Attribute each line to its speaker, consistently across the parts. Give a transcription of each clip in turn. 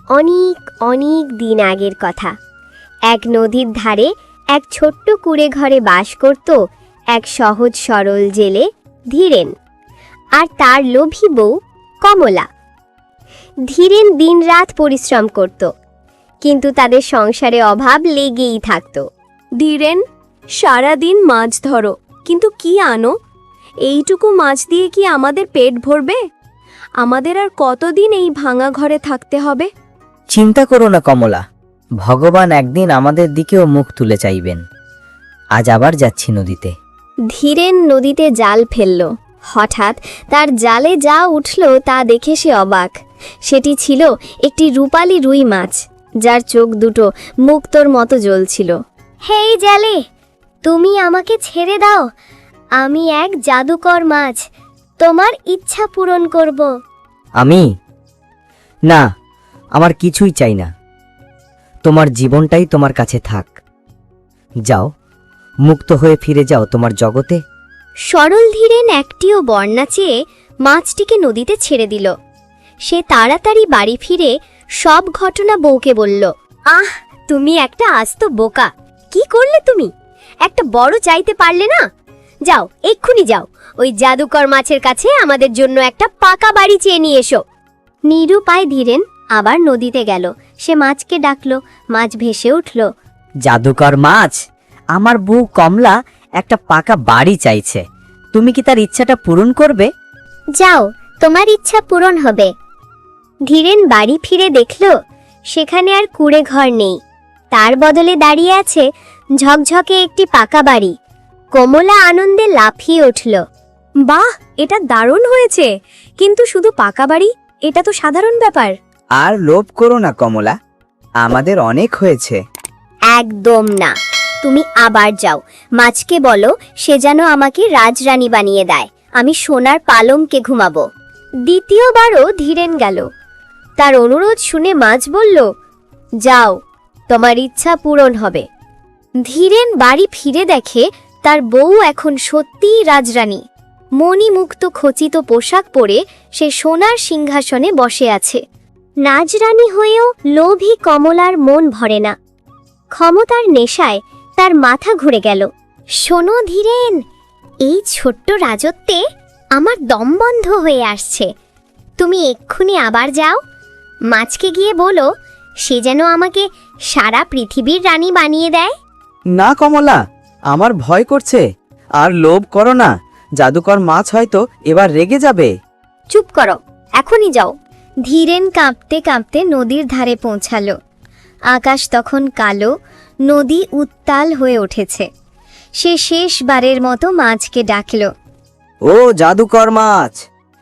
Speaker 1: অনেক অনেক দিন আগের কথা। এক নদীর ধারে এক ছোট্ট কুঁড়ে ঘরে বাস করত এক সহজ সরল জেলে ধীরেন আর তার লোভী বউ কমলা। ধীরেন দিনরাত পরিশ্রম করত, কিন্তু তাদের সংসারে অভাব লেগেই থাকত।
Speaker 2: ধীরেন, সারাদিন মাছ ধরো, কিন্তু কি আনো? এইটুকু মাছ দিয়ে কি আমাদের পেট ভরবে? আমাদের আর কতদিন এই ভাঙা ঘরে থাকতে হবে?
Speaker 3: চিন্তা করো না কমলা, ভগবান একদিন আমাদের দিকেও মুখ তুলে চাইবেন। আজ আবার যাচ্ছি নদীতে।
Speaker 1: ধীরেন নদীতে জাল ফেলল। হঠাৎ তার জালে যা উঠল তা দেখে সে অবাক। সেটি ছিল একটি রূপালী রুই মাছ, যার চোখ দুটো মুক্তোর মতো জ্বলছিল। হেই জালে, তুমি আমাকে ছেড়ে দাও, আমি এক জাদুকর মাছ, তোমার ইচ্ছা পূরণ করব।
Speaker 3: আমি? না, আমার কিছুই চাই না। তোমার জীবনটাই তোমার কাছে থাক। যাও, মুক্ত হয়ে ফিরে যাও তোমার জগতে।
Speaker 1: সরল ধীরেন একটিও বর্ণা চেয়ে মাছটিকে নদীতে ছেড়ে দিল। সে তাড়াতাড়ি বাড়ি ফিরে সব ঘটনা বউকে বলল। আহ, তুমি একটা আস্ত বোকা! কি করলে তুমি? একটা বড় চাইতে পারলে না? যাও, এক্ষুনি যাও, ওই জাদুকর মাছের কাছে আমাদের জন্য একটা পাকা বাড়ি চেয়ে নিয়ে এসো। নিরুপায় ধীরেন আবার নদীতে গেল। সে মাছকে ডাকল, মাছ ভেসে উঠল।
Speaker 3: জাদুকর মাছ, আমার বউ কমলা একটা পাকা বাড়ি চাইছে, তুমি কি তার ইচ্ছাটা পূরণ করবে?
Speaker 1: যাও, তোমার ইচ্ছা পূরণ হবে। ধীরেন বাড়ি ফিরে দেখল সেখানে আর কুঁড়ে ঘর নেই, তার বদলে দাঁড়িয়ে আছে ঝকঝকে একটি পাকা বাড়ি। কমলা আনন্দে লাফিয়ে উঠল।
Speaker 2: বাহ, এটা দারুণ হয়েছে! কিন্তু শুধু পাকা বাড়ি, এটা তো সাধারণ ব্যাপার।
Speaker 4: আর লোভ করো না কমলা, আমাদের অনেক হয়েছে।
Speaker 1: একদম না, তুমি আবার যাও, মাছকে বলো সে যেন আমাকে রাজরানী বানিয়ে দেয়, আমি সোনার পালঙ্কে ঘুমাবো। দ্বিতীয়বারও ধীরেন গেল। তার অনুরোধ শুনে মাছ বলল, যাও, তোমার ইচ্ছা পূরণ হবে। ধীরেন বাড়ি ফিরে দেখে তার বউ এখন সত্যিই রাজরানী। মণিমুক্ত খচিত পোশাক পরে সে সোনার সিংহাসনে বসে আছে। রাজরানী হয়েও লোভী কমলার মন ভরে না। ক্ষমতার নেশায় তার মাথা ঘুরে গেল। শোনো ধীরেন, এই ছোট্ট রাজত্বে আমার দম বন্ধ হয়ে আসছে। তুমি এক্ষুনি আবার যাও, মাছকে গিয়ে বলো সে যেন আমাকে সারা পৃথিবীর রানী বানিয়ে দেয়।
Speaker 4: না কমলা, আমার ভয় করছে। আর লোভ করো না, জাদুকর মাছ হয়তো এবার রেগে যাবে।
Speaker 1: চুপ করো, এখনই যাও। ধীরেন কাঁপতে কাঁপতে নদীর ধারে পৌঁছালো। আকাশ তখন কালো, নদী উত্তাল হয়ে উঠেছে। সে শেষবারের মতো মাছকে ডাকল।
Speaker 4: ও জাদুকর মাছ,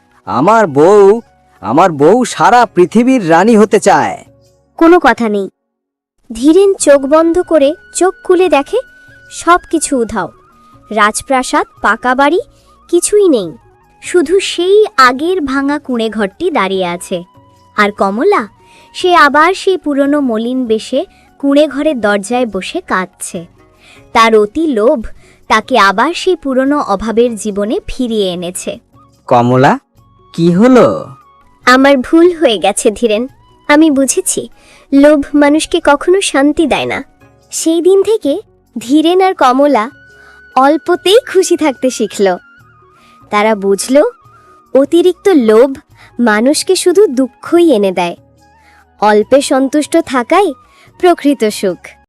Speaker 4: আমার বউ সারা পৃথিবীর রানী হতে চায়।
Speaker 1: কোনো কথা নেই। ধীরেন চোখ বন্ধ করে চোখ খুলে দেখে সব কিছু উধাও। রাজপ্রাসাদ, পাকা বাড়ি কিছুই নেই, শুধু সেই আগের ভাঙা কুঁড়ে ঘরটি দাঁড়িয়ে আছে। আর কমলা, সে আবার সেই পুরনো মলিন বেশে কুঁড়ে ঘরের দরজায় বসে কাঁদছে। তার অতি লোভ তাকে আবার সেই পুরনো অভাবের জীবনে ফিরিয়ে এনেছে।
Speaker 4: কমলা, কি হলো?
Speaker 1: আমার ভুল হয়ে গেছে ধীরেন, আমি বুঝেছি লোভ মানুষকে কখনো শান্তি দেয় না। সেই দিন থেকে ধীরেন আর কমলা অল্পতেই খুশি থাকতে শিখল। তারা বুঝল অতিরিক্ত লোভ মানুষকে শুধু দুঃখই এনে দেয়, অল্পে সন্তুষ্ট থাকাই প্রকৃত সুখ।